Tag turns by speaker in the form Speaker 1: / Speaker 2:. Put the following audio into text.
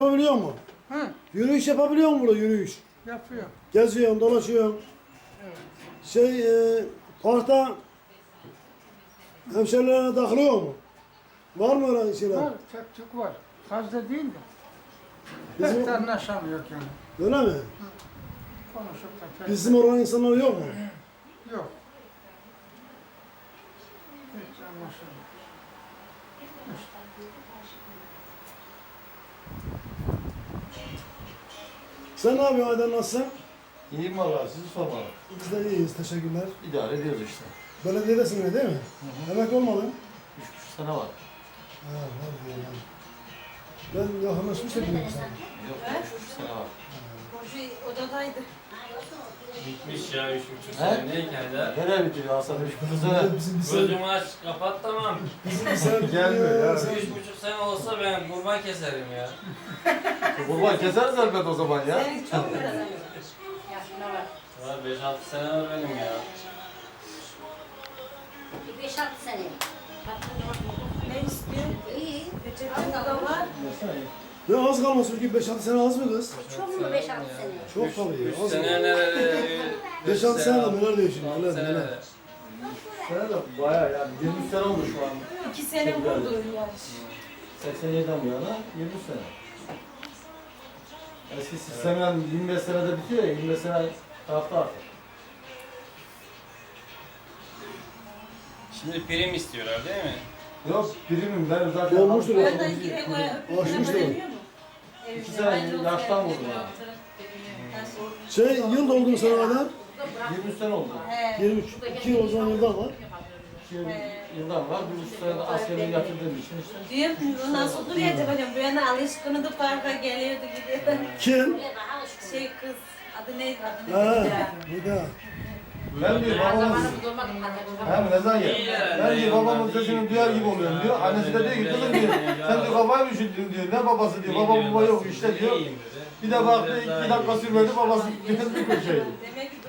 Speaker 1: Yapabiliyor musun?
Speaker 2: Hı,
Speaker 1: Yürüyüş yapabiliyor musun burada yürüyüş?
Speaker 2: yapıyor.
Speaker 1: Geziyorsun, dolaşıyorsun.
Speaker 2: Evet.
Speaker 1: Parkta hemşerilerine takılıyor mu? Var mı öyle şeyler?
Speaker 2: Var, tek tük var. Fazla değil de.
Speaker 1: Bizim-
Speaker 2: Pek de anlaşamıyor yani.
Speaker 1: Öyle mi?
Speaker 2: Konuşup da pek
Speaker 1: Bizim oranın insanları yok mu?
Speaker 2: yok. Hiç anlaşamıyor.
Speaker 1: Sen ne yapıyorsun Aydan, nasılsın?
Speaker 3: İyiyim valla, sizi sormalı.
Speaker 1: Biz de iyiyiz, teşekkürler.
Speaker 3: İdare ediyoruz işte.
Speaker 1: Belediyedesin yine değil mi? Emekli olmadın.
Speaker 3: 3,5 sene var.
Speaker 1: Ha, var diyor yani. Ben yakınlaşmış da biliyorum sana.
Speaker 3: Yok, 3,5 sene var.
Speaker 4: Komşu odadaydı.
Speaker 5: Bitmiş ya 3,5
Speaker 3: He?
Speaker 5: sene neyken de.
Speaker 3: Nereye bitiyor Hasan 3,5 sene?
Speaker 1: Bizim bir sene,
Speaker 5: Gözümü aç kapat tamam.
Speaker 1: bizim bir sene
Speaker 3: Gelmiyor ya.
Speaker 5: 3,5 sene olsa ben kurban keserim ya.
Speaker 3: Kurban keseriz elbet o zaman ya.
Speaker 4: Senin çok biraz yaşına var.
Speaker 5: Var 5-6 sene var benim ya.
Speaker 4: 5-6 sene. Ne istiyor? İyi. Reçete da var.
Speaker 1: Ya az kalmasın ki 5-6 sene az mı kız?
Speaker 4: Çok mu 5-6 sene?
Speaker 1: Çok tabii.
Speaker 5: 3
Speaker 1: Az
Speaker 5: sene
Speaker 1: mı?
Speaker 5: nerede?
Speaker 1: 5-6 sene de neler değişiyor, neler,
Speaker 5: 6 sene
Speaker 1: neler.
Speaker 5: de.
Speaker 3: Sene de bayağı yani 20 sene oldu şu an.
Speaker 4: 2 sene vurdu yarış.
Speaker 3: 87'den bu yana 20 sene. Eski sistemden 25 senede bitiyor ya, 25 sene tarafta artık.
Speaker 5: Şimdi prim istiyorlar değil mi?
Speaker 3: Yok, primim ben zaten...
Speaker 1: Olmuştur o.
Speaker 4: Oradan yine
Speaker 1: Aşmıştır.
Speaker 3: 2 sene yaştan vurdum ha.
Speaker 1: Yıl doldu mu sana kadar?
Speaker 3: 23 sene oldu.
Speaker 1: 23. 2 yıl o zaman yıldan var.
Speaker 3: 2 yıldan var, 1,5 sene de askerliğe yatırdığım için işte.
Speaker 4: Diyorum nasıl duruyor acaba? Bu yana alışkınıydı parka geliyordu gidiyordu.
Speaker 1: Kim?
Speaker 4: Kız adı neydi? Adı
Speaker 1: Ha,
Speaker 4: neydi?
Speaker 1: bir daha.
Speaker 3: Ben diyor babamın... Hem ne zaman
Speaker 5: İyi
Speaker 3: ya?
Speaker 5: yani.
Speaker 3: Ben diyor babamın sesini duyar gibi oluyorum diyor. Annesi de diyor ki kızım diyor. Sen diyor kafayı mı üşüttün diyor. Ne babası diyor. Baba baba yok işte diyor. Bir de baktı 2 dakika sürmedi babası bir köşeydi.
Speaker 4: Demek ki